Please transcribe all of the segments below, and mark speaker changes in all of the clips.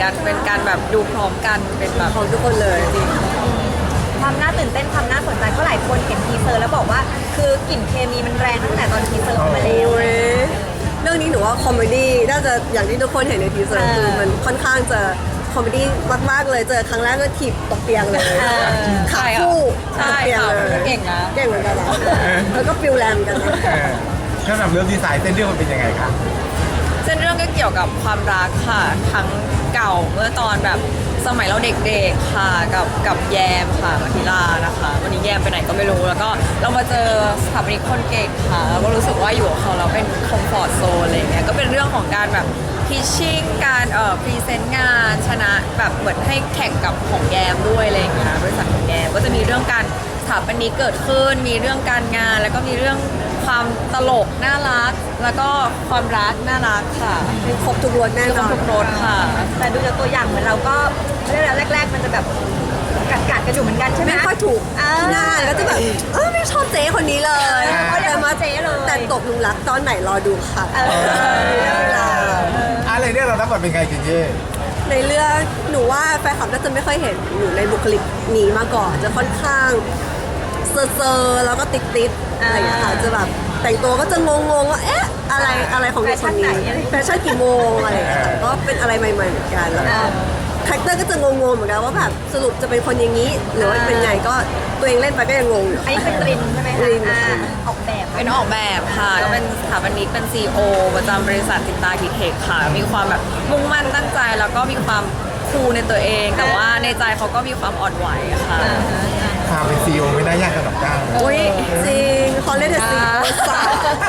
Speaker 1: ดันเป็นการแบบดูพร้อมกันเป็นแบบ
Speaker 2: ของทุกคนเลยจริง
Speaker 3: ความน่าตื่นเต้นความน่าสนใจเพราะหลายคนเห็นทีเซอร์แล้วบอกว่าคือกลิ่นเคมีมันแรงตั้งแต่ตอนทีเซอร์ออกมาแล้ว
Speaker 2: โอ้ยเรื่องนี้หนูว่าคอมเมดี้น่าจะอย่างที่ทุกคนเห็นในทีเซอร์คือมันค่อนข้างจะคอมเมดี้มากๆเลยเจอครั้งแรกก็ถีบตกเตียงเลยขาคู่ต
Speaker 1: ใช่
Speaker 2: กเตียง
Speaker 1: ค่ะ
Speaker 2: เลย
Speaker 1: เก่งนะ
Speaker 2: เก่งเหมือนกันนะแล้วก็ฟิลแรมกันนะ
Speaker 4: สำหรับเรื่องดีไซน์เส้นเรื่องมันเป็นยังไงคะ
Speaker 1: เส้นเรื่องก็เกี่ยวกับความรักค่ะทั้งเก่าเมื่อตอนแบบสมัยเราเด็กๆค่ะกับแยมค่ะมาธิลานะคะวันนี้แยมไปไหนก็ไม่รู้แล้วก็เรามาเจอสถาปนิกคนเก่งค่ะแล้วก็รู้สึกว่าอยู่กับเขาเราเป็นคอมฟอร์ตโซนอะไรเงี้ยก็เป็นเรื่องของการแบบพิชชิ่งการพรีเซนต์งานชนะแบบเหมือนให้แข่งกับของแยมด้วยอะไรเงี้ยบริษัทของแยมก็จะมีเรื่องการสถาปนิกเกิดขึ้นมีเรื่องการงาน แล้วก็มีเรื่องความตลกน่ารักแล้วก็ความรักน่ารักค่ะ
Speaker 2: มีครบทุกรสแน่
Speaker 1: มี
Speaker 2: น
Speaker 1: คร
Speaker 2: อบ น
Speaker 1: ทุกรสค่ะ
Speaker 3: แต่ดูจากตัวอย่างเหมือนเราก็เรื่องแรกๆมันจะแบบกัดกันอยู่เหมือนกันใช่ไหม
Speaker 2: ไม่ค่อยถูกที่หน้าก็จะแบบไม่ชอบเจ๊คนนี้เลย
Speaker 3: เขาเรียกว่าเจ๊เลย
Speaker 2: แต่ตกหลุมรักตอนไหนรอดูค่ะ เวลา
Speaker 4: อะไรเนี่ยเรารับบทเป็นไงจินเย่
Speaker 2: ในเรื่องหนูว่าแฟนคลับก็จะไม่ค่อยเห็นอยู่ในบุคลิกนี้มาก่อนจะค่อนข้างเซอร์ๆแล้วก็ติดๆอะไรอย่างเงี้ยค่ะจะแบบแต่งตัวก็จะงงๆว่าเอ๊ะอะไรของเด็กคนนี้แฟชั่นกี่โมงอะไรอย่างเงี้ยค่ะก็เป็นอะไรใหม่ๆเหมือนกันแล้วก็คาแรคเตอร์ก็จะงงๆเหมือนกันว่าแบบสรุปจะเป็นคนอย่างนี้หรือว่าเป็นไงก็ตัวเองเล่นไปก็ยังงงอยู่
Speaker 3: อันนี้เป็นรินใช่ไหมคะ
Speaker 2: ริน
Speaker 3: ออกแบบ
Speaker 1: เป็นออกแบบค่ะก็เป็นสถาปนิกเป็น CEO ประจำบริษัทตินตาคิเทคค่ะ มีความแบบมุ่งมั่นตั้งใจแล้วก็มีความคูลในตัวเอง แต่ว่าในใจเขาก็มีความอ่อนไหวค่ะ
Speaker 4: ความเป็นซีอีโอไม่น่ายากสำหรับก้าว
Speaker 1: อุ้ย
Speaker 2: จริงเขาเล่นแต่สีสาวย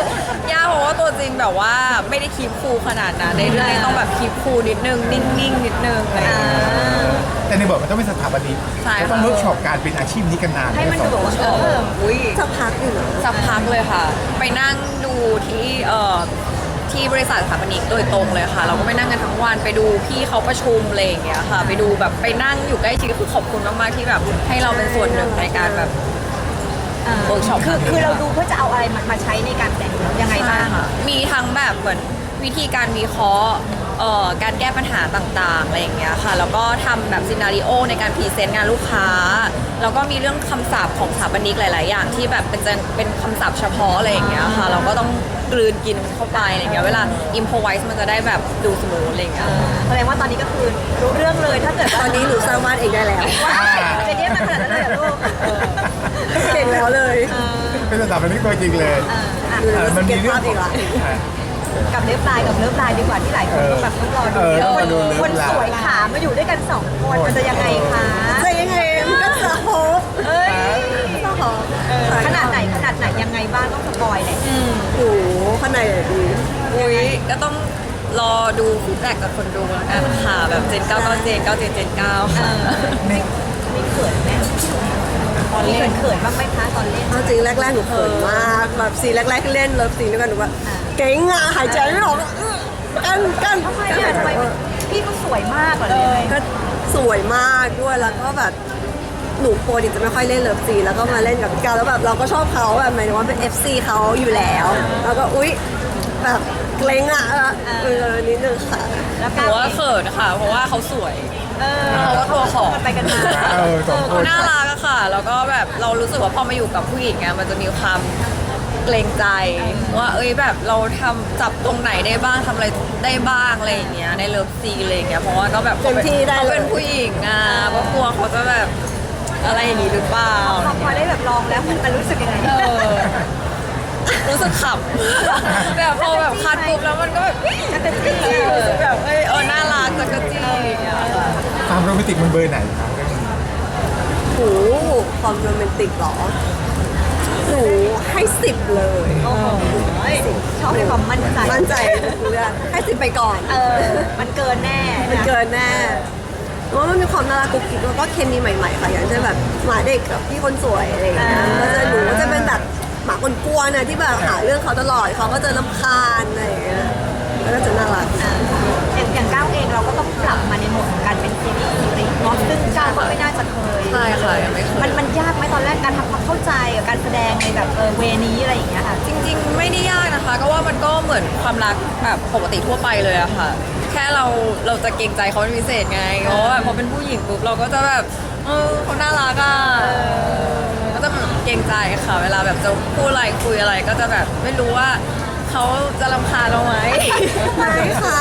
Speaker 1: ากเพราะว่าตัวจริงแบบว่าไม่ได้คีบคูลขนาดนั้นในเรื่องนี้ต้องแบบคีบคูลนิดนึงนิ่งๆนิดนึงอะไรอย่างเงี้ย
Speaker 4: แต่ในบทมันต้องเป็นสถาปนิก
Speaker 1: ใช่ค่ะ
Speaker 4: ก็ต้องเวิร์กช็อปการเป็นอาชีพนี้กันนาน
Speaker 3: ให้มันดูแบบว่า
Speaker 1: อุ้ย
Speaker 2: สักพักอยู่นะ
Speaker 1: สักพักเลยค่ะ ไปนั่งดูที่ที่บริษัทสถาปนิกโดยตรงเลยค่ะ เราก็ไปนั่งกันทั้งวันไปดูพี่เขาประชุมอะไรอย่างเงี้ยค่ะ ไปดูแบบไปนั่งอยู่ใกล้ชิดก็คือขอบคุณมากๆที่แบบให้เราเป็นส่วนหนึ่งในการแบบเวิร์กช็อป
Speaker 3: คือเราดูเพื่อจะเอาอะไรมาใช้ในการแต่งยังไงบ้าง
Speaker 1: มีทั้งแบบเหมือนวิธีการวิเคราะห์การแก้ปัญหาต่างๆอะไรอย่างเงี้ยค่ะ แล้วก็ทำแบบซีนาริโอในการพรีเซนต์งานลูกค้า แล้วก็มีเรื่องคำศัพท์ของสถาปนิกหลาย ๆ อย่างที่แบบเป็นคำศัพท์เฉพาะอะไรอย่างเงี้ยค่ะ เราก็ต้องกลืนกินเข้าไปอะไรอย่างเงี้ย เวลาอิมพอไวส์มันจะได้แบบดูสมูทอะไรอย่างเงี้ย
Speaker 3: แสดงว่าตอนนี้ก็คือรู้เรื่องเลยถ้าเกิด
Speaker 2: ตอนนี้หนูสร้างบ้านเองได้แล้ว
Speaker 3: ว้าวจะเรียกมาขนาดนั้นเลยเหรอลูก
Speaker 2: เก่งแล้วเลย
Speaker 4: เป็นสถาปนิกตัวจริงเลย
Speaker 2: ดูแล้ว
Speaker 4: มัน
Speaker 2: เก็
Speaker 4: มี
Speaker 2: บ
Speaker 4: เรื่อ
Speaker 2: ภาง พอีกละ
Speaker 3: กับเลิฟไลน์ดีกว่าที่หลายคนก็แบบต้องรอดู
Speaker 4: มาดูเลิ
Speaker 3: คน
Speaker 4: ฟไล
Speaker 3: สวย
Speaker 4: น์
Speaker 3: ขามาอยู่ด้วยกันสองคนมันจะยังไงคะ
Speaker 2: จะยังไงมันก็จะโฮป
Speaker 3: เอ้ย
Speaker 2: จะโฮป
Speaker 3: ขนาดไหนยังไงบ้างต้องสปอยเลย
Speaker 2: โอ้โหข้างในอะดี
Speaker 1: อุ้ยก็ต้องรอดูฟีดแบ็กกับคนดูแล้วกันค่ะแบบเจน9ก็เจน9เจน9ค่ะ
Speaker 3: มีเขินไหมตอนเล่นเขินบ้างไหมคะตอนเล่น
Speaker 2: เอาจริงแรกๆหนูเขินมากแบบซีนแรกๆที่เล่นเลิฟซีนด้วยกันหนูว่าเก่งอ่ะหายใจไม่ออกอะกัน
Speaker 3: ทำไมอะทำไมพี่ก็สวยมากเหรอเลย
Speaker 2: ก็สวยมากด้วยแล้วก็แบบหนูปกติจะไม่ค่อยเล่นเลิฟซีนแล้วก็มาเล่นกับพี่กาวแล้วแบบเราก็ชอบเขาแบบหมายถึงว่าเป็น FC เขาอยู่แล้ว แล้วก็อุ๊ยแบบเกรงอ่ะนิดนึงค่ะ
Speaker 3: แล้ว
Speaker 1: หนูว่าเขินค่ะ เพราะว่าเขาสวย
Speaker 3: เขาก็ตัวของกันไปกันมา
Speaker 4: สองค
Speaker 1: เขา
Speaker 4: น
Speaker 1: น่ารักอะค่ะ แล้วก็แบบเรารู้สึกว่าพอมาอยู่กับผู้หญิงอะมันจะมีความเกรงใจว่าเอ้ยแบบเราทำจับตรงไหนได้บ้างทำอะไรได้บ้างอะไรอย่างเงี้ยในเลิฟซีนอะไรอย่างเงี้ยเพราะว่าก็แบบ
Speaker 2: เต็มที่ได้เลย
Speaker 1: เขาเป็นผู้หญิงอะก็กลัวเขาจะแบบอะไรอย่างงี้หรือเปล่า
Speaker 3: พอได้แบบลองแล้วมันรู้สึกยังไง
Speaker 1: รู้สึกขำแบบพอแบบคัดปุ๊บแล้วมันก็แบบ
Speaker 3: จักรจี้
Speaker 1: รู้สึกแบบน่ารักจักรจี้อย่างเงี้ยค่ะ
Speaker 4: ความโรแมนติกมันเบอร์ไหนครับเรื่องนี้
Speaker 2: โหความโรแมนติกเหรอหนูให้10เลย
Speaker 3: โอ้โหชอบในความมั่นใจ
Speaker 2: มั่นใจทุกเรื่องให้10ไปก่อน
Speaker 3: มันเกินแน่
Speaker 2: มันเกินแน่เพราะว่ามันมีความน่ารักกุ๊กกิ๊กแล้วก็เคมีใหม่ๆค่ะอย่างเช่นแบบหมาเด็กกับพี่คนสวยอะไรอย่างเงี้ยก็จะหนูก็จะเป็นแบบหมาคนกลัวนะที่แบบหาเรื่องเขาตลอดเขาก็จะรำคาญอะไรอย่างเงี้ยแล้วก็จะน่ารัก
Speaker 3: อย่างก้าวเองเราก็ต้องปรับมาในโหมดของการเป็นซีรีส์เนาะซึ่งก้าวก็ไม่น่าจะเคย
Speaker 1: ใช่ค่ะยังไม่เคย
Speaker 3: มันยากไหมตอนแรกการทำความเข้าใจกับการแสดงในแบบเวนี้อะไรอย่างเงี้ยค่ะ
Speaker 1: จริงๆไม่ได้ยากนะคะ ก็ว่ามันก็เหมือนความรักแบบปกติทั่วไปเลยอะค่ะ แค่เราจะเกรงใจเขาเป็นพิเศษไงเพราะว่าแบบพอเป็นผู้หญิงปุ๊บเราก็จะแบบเขาน่ารักอะก็จะแบบเกรงใจค่ะ เวลาแบบจะพูดอะไรคุยอะไรก็จะแบบไม่รู้ว่าเขาจะรำคาญเราไหม
Speaker 2: ไม่ค่ะ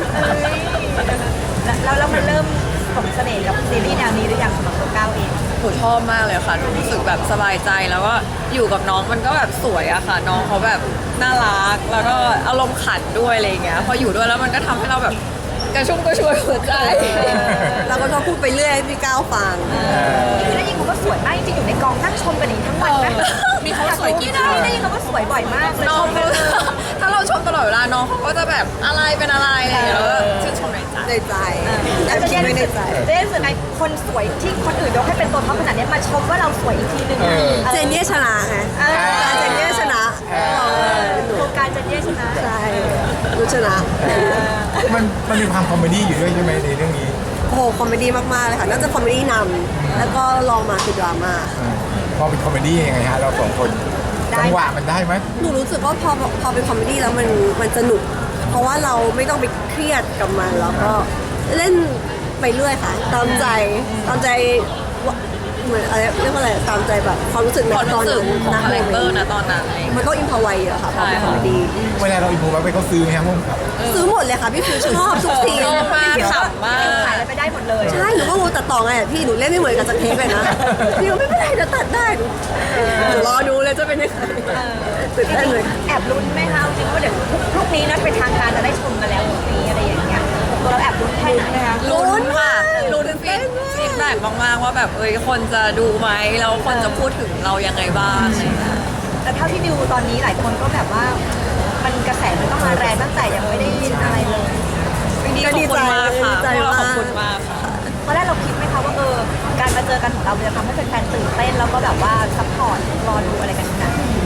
Speaker 3: แล้วมันเริ่มสมเสน่ห์กับซีรีส์แนวนี้หรือยังสำหรับตัวก้าวเอง
Speaker 1: หนูชอบมากเลยค่ะหนูรู้สึกแบบสบายใจแล้วก็อยู่กับน้องมันก็แบบสวยอะค่ะ น้องเขาแบบน่ารักแล้วก็อารมณ์ขันด้วยอะไรอย่างเงี้ยพออยู่ด้วยแล้วมันก็ทำให้เราแบบกระชุ่มกระชวยหัวใจ
Speaker 2: เราก็ชอบพูดไปเรื่อยให้พี่ก้าวฟัง
Speaker 3: นี่คือได้ยินเขาก็สวยมากจริงๆอยู่ในกองนั่งชมกันอย่างนี้ทั้งวันนะ
Speaker 1: มีเขาสวยกี่
Speaker 3: ได้ยินเขาก็สวยบ่อยมากเลย
Speaker 1: น้องเขาถ้าเราชมตลอดเวลาน้องเขาก็จะแบบอะไรเป็นอะไรอะไรอย่างเงี้ยแล้วก็ชื่นชมในใจ
Speaker 2: ในใจ
Speaker 3: แล้
Speaker 2: แต่
Speaker 3: วจะ
Speaker 2: คิดไม่ในใจ
Speaker 3: เจ๊รู้สึกไงคนสวยที่คนอื่นยกให้เป็นตัวท็อปขนาดนี้มาชมว่าเราสวยอีกทีหนึ่งอะ
Speaker 2: เจนเย่ชนะไง
Speaker 3: เออ
Speaker 2: เจนเย่ชนะ
Speaker 3: โครงการเจนเย่ชนะ
Speaker 2: ใช่รู้ชนะ
Speaker 4: มันมีความคอมเมดี้อยู่ด้วยใช่ไหมในเรื่องนี้
Speaker 2: โอ้โหคอมเมดี้มากๆเลยค่ะน่าจะคอมเมดี้นำแล้วก็ลองมาคือดราม่า
Speaker 4: พอเป็นคอมเมดี้ยังไงฮะเราสองคนจังหวะมันได้ไหม
Speaker 2: หนูรู้สึกว่าพอเป็นคอมเมดี้แล้วมันสนุก เพราะว่าเราไม่ต้องไปเครียดกับมันแล้วก็เล่นไปเรื่อยค่ะตามใจว่าเหมือนอะไรเรียกว่าอะไรตามใจแบบความรู้สึกใน
Speaker 1: ความ
Speaker 2: ตอน
Speaker 1: รู้สึ
Speaker 2: นั้
Speaker 1: ก
Speaker 2: น
Speaker 1: ของคาแรคเตอร์นะตอนนั้นอะไรอย่าง
Speaker 2: มั
Speaker 1: เงี้ย
Speaker 2: นต้องอินพอไวเยอะค่ะพอเป็น
Speaker 1: ใช่
Speaker 2: คอ
Speaker 1: ค่ะ
Speaker 2: มเมดี้
Speaker 4: เวลาเราอินโฟไว้ไปเขาซื้อไหมครับพุ่มกับ
Speaker 2: ซื้อหมดเลยค่ะพี่ฟิวชอบทุกซีน
Speaker 1: ชอบมากขำมาก
Speaker 3: ขายอะไรไปได้หมดเลย
Speaker 2: ใช่หนูก็งูตัดต่อไงพี่หนูเล่นไม่เหมือนกับสเทปเลยนะพี่ไม่เป็นไรเดี๋ยวตัดได้หนูรอดูเลยจะเป็นยังไงตื่นเต้นเลย
Speaker 3: แอบลุ้นไหมคะจริงๆว่าเดี๋ยวพรุ่งนี้นัดเป็นทางการจะได้ชมกันแล้วพรุ่งนี้อะไรอย่างเงี้ยตัวเราแอบลุ้นแค่ไหนไหมคะ
Speaker 1: ลุ้นค่ะลุ้นฟีดแบ็กมากๆว่าแบบคนจะดูไหมแล้วคนจะพูดถึงเรายังไงบ้างอะไรอย่างเงี้ย
Speaker 3: แต่เท่าที่ดูตอนนี้หลายคนก็แบบว่ามันกระแสมันต้องมาแรงตั้งแต่ยังไม่ได้ยินอะไรเลย
Speaker 1: ขอบคุณมากค่ะ
Speaker 2: ดีใจ
Speaker 1: พวกเรา
Speaker 2: มาก
Speaker 1: ขอบคุณมากค่ะ
Speaker 3: ตอนแรกเราคิดไหมคะว่าการมาเจอกันของเราจะทำให้แฟนๆตื่นเต้นแล้วก็แบบว่าซัพพอร์ตรอดูอะไรกันขนาดนี้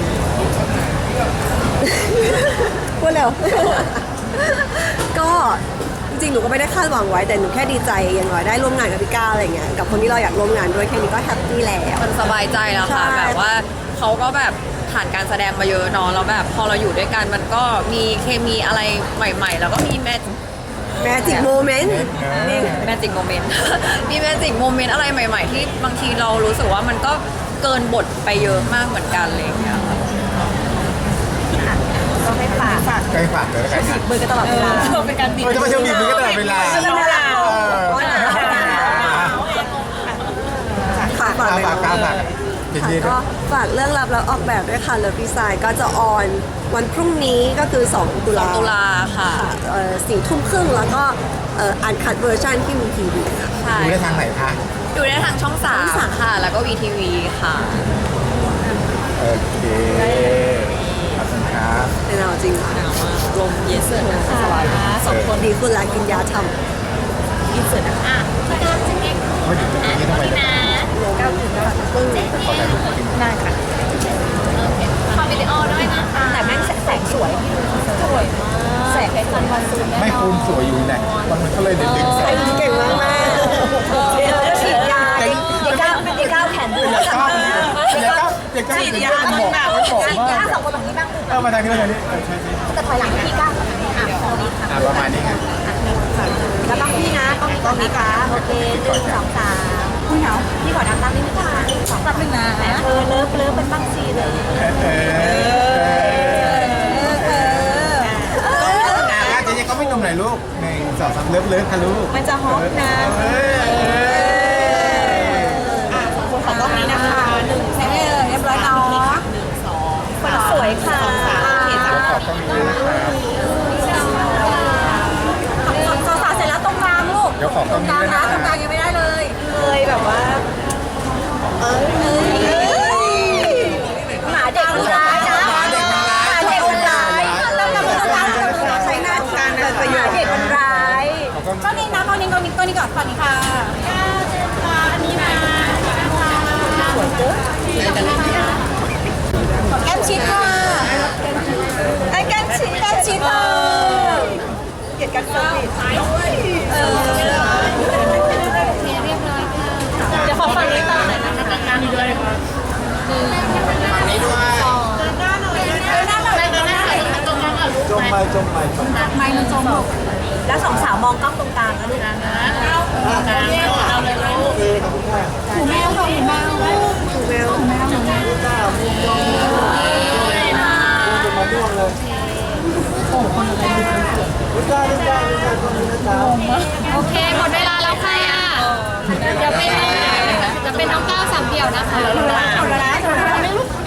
Speaker 2: พูดเร็ว ก็จริงๆหนูก็ไม่ได้คาดหวังไว้แต่หนูแค่ดีใจอย่างน้อยได้ร่วมงานกับพี่ก้าวอะไรเงี้ยกับคนที่เราอยากร่วมงานด้วยแค่นี้ก็แฮปปี้แล้ว
Speaker 1: มันสบายใจแล้วค่ะ
Speaker 2: ใช่
Speaker 1: แบบว่าเขาก็แบบผ่านการแสดงมาเยอะเนาะแล้วแบบพอเราอยู่ด้วยกันมันก็มีเคมีอะไรใหม่ ๆ แล้วก็มี
Speaker 2: แมจิกโมเมนต์นี่
Speaker 1: แมจิกโมเมนต์ มีแมจิกโมเมนต์อะไรใหม่ ๆ ที่บางทีเรารู้สึกว่ามันก็เกินบทไปเยอะมากเหมือนกันอะไรอย่างเงี้ยค่ะ
Speaker 3: ก็ให้ฝาก
Speaker 4: ใกล้ฝากเลยแล้วกันค่ะ
Speaker 3: มือกันตลอดเวลา
Speaker 1: เป็นการบีบ
Speaker 4: จะมาเชื่อมบีบมือกันตลอดเวลา
Speaker 2: ค่ะฝากเลย
Speaker 4: ฝากฝากเจน
Speaker 2: ค่ะ
Speaker 4: เย่ด้ว
Speaker 2: ก็
Speaker 4: ย
Speaker 2: ฝากเรื่องรับแล้วออกแบบด้วยค่ะเลิฟดีไซน์ก็จะออนวันพรุ่งนี้ก็คือ2 ตุลา
Speaker 1: ตุลาค่ะ
Speaker 2: 4 ทุ่มครึ่งแล้วก็อ่านคัดเวอร์ชันที่มีทีวีค่ะ
Speaker 1: ใช่
Speaker 4: ดูได้ทางไหนคะ
Speaker 1: ดูได้ทางช่อง3ค่ะ แล้วก็ VTV ค่ะ
Speaker 4: โอเคขอบคุณครับ
Speaker 2: เป็นเอาจริงค่ะ
Speaker 1: ลมเยสเลยสบายมาก
Speaker 2: สองคนดีขึ้นแล้วกินยาท
Speaker 1: อินเสิร์ตนะคะ
Speaker 4: ไม่ถึงตรงนี้ทำไมจะ
Speaker 3: ก้าวถึงแล้ว
Speaker 4: ขอถ่ายรูปกิน
Speaker 3: ได้ค่ะ
Speaker 1: ขอวิดีโอด้วยนะคะ
Speaker 3: แต่แม่งแสงสวยที่ดูสวยมากแสงเป็นวันซูม
Speaker 4: ไม่คูณสวยอยู่ไหนมันก็เลยดึง
Speaker 2: ำ
Speaker 4: แส
Speaker 2: ใส่
Speaker 4: ง
Speaker 2: เก่งมากแม่
Speaker 3: เดี๋ยวฉีดยาเดี๋ยวก้าวแขนดู
Speaker 4: เด็กก็ฉีดยามันบอก
Speaker 3: ฉีด
Speaker 4: ว่าย
Speaker 3: าสองคนแบบนี้บ้าง
Speaker 4: มาทางนี้มาทางนี้ใช่
Speaker 3: แต่ถอยหลังพี่ก้าว
Speaker 4: ประมาณนี้ไง
Speaker 3: แล้วต้องพี่นะต้องนี้ค่ะโอเค1 2 3พี่เหงาพี่ขอน้ำตั้งนิดนึงค่ะ2 3 1นะเลิฟเป็นบ้างซีเลย
Speaker 4: เจ๊ก็ไม่นมไหนลูก1 2 3เลิฟค่ะลูก
Speaker 3: มันจะฮอปนะขอต้องนี้นะคะ1 2เรียบร้อยเนาะคนสวยค่ะ
Speaker 4: ขอบคุณนะครับ
Speaker 3: สาวเสร็จแล้วตรงกลางลูก
Speaker 4: เดี๋ยวขอตรงนี้ด้วยนะ
Speaker 3: ตรงกลางยังไม่ได้เลยเคยแบบว่าหมาเด็กมันร้ายนะหมาเด็กมันร้ายใช้หน้าการเป็นประโยชน์เด็กมันร้าย
Speaker 4: ขอบคุณ
Speaker 3: ก็นี่นะเอานี้ก่อนฝั่งนี้ค่ะ
Speaker 4: ไม่จมไม่จม
Speaker 3: ไม่มันจมลูกแล้วสองสาวมองกล้องตรงกลางนะลูกนะเอาเลยลูก
Speaker 4: ขอบคุณค่ะ
Speaker 3: หูแมวค่ะหูแมว
Speaker 2: ถูกแมว
Speaker 4: จ้ามุมมองเป็นมาม่วงเลยโอ้คนอะไรลูกจ้าลูกจ้าลูกจ้าคนนี้นะจ๊ะ
Speaker 5: โอเค หมดเวลาแล้วค่ะ เดี๋ยวเป็นน้องก้าวสามเดี่ยวนะคะ
Speaker 3: เอาละนะ